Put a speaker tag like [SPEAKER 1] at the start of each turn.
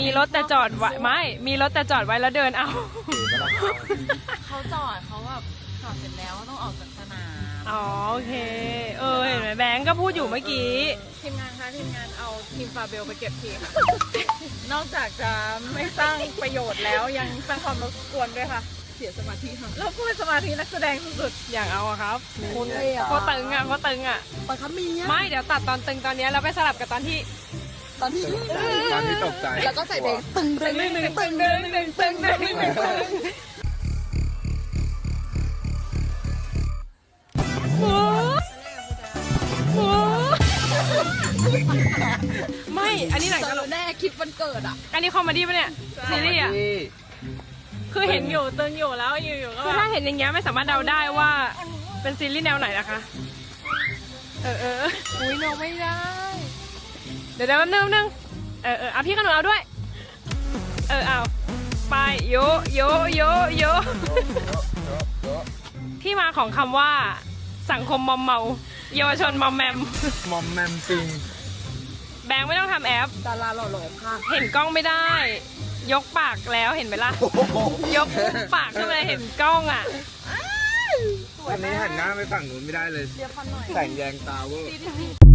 [SPEAKER 1] รถแต่จอดไว้ไม่มีรถแต่จอดไว้แล้วเดินเอา
[SPEAKER 2] เขาจอดเขาแบบจอดเสร็จแล้วต้องออกจากสนาม
[SPEAKER 1] อ๋อโอเคเห็นไหมแบงก์ก็พูดอยู่เมื่อกี้
[SPEAKER 2] ทีมงานคะทีมงานเอาทีมฟาเบลไปเก็บทีค่ะ นอกจากจะไม่สร้างประโยชน์แล้วยังสร้างความรบกวนด้วยค่ะ เสียสมาธิค่ะแล้วพูดสมาธินักแสดงสุด
[SPEAKER 1] อยากเอาอะครับ
[SPEAKER 2] ๆคนเลยอ่ะ
[SPEAKER 1] โคตรตึงอะโคตรตึงอะ
[SPEAKER 2] ปะคะมีอ่ะ
[SPEAKER 1] ไม่เดี๋ยวตัดตอนตึงตอนเนี้ยแล้วไปสลับกับตอนที่
[SPEAKER 2] ตอนที่
[SPEAKER 3] ตอนที่ตกใจ
[SPEAKER 2] แล้วก็ใส่เพลงตึงตึงตึงตึงตึงตึงตึงตึง
[SPEAKER 1] หมูหมูไม่อันนี้หนังตลก
[SPEAKER 2] แน่คลิปวันเกิดอ่ะ
[SPEAKER 1] อันนี้คอมเมดี้ปะเนี่ยซีรีส์อะคือเห็นอยู่ตึงอยู่แล้วอยู่ๆก็คือถ้าเห็นอย่างเงี้ยไม่สามารถเดาได้ว่าเป็นซีรีส์แนวไหนนะคะอุ้ยเราไม่ได้ เดี๋ยวแป๊บนึงเอาพี่ขนุนเอาด้วยเอาไปโยที่มาของคำว่าสังคมมอมเมาเยาวชนมอมแมม
[SPEAKER 3] มอมแมมจริง
[SPEAKER 1] แบงค์ไม่ต้องทำแอป
[SPEAKER 2] ดาราหล่อๆค่ะ
[SPEAKER 1] เห็นกล้องไม่ได้ ยกปากแล้วเห็นไหมล่ะ ยกปากขึ้นมาเห็นกล้องอ่ะ
[SPEAKER 3] วันนี้หันหน้าไปฝั่งนู้นไม่ได้เลย
[SPEAKER 2] เรียกฟันหน่อย
[SPEAKER 3] แสงแยงตาเวอร์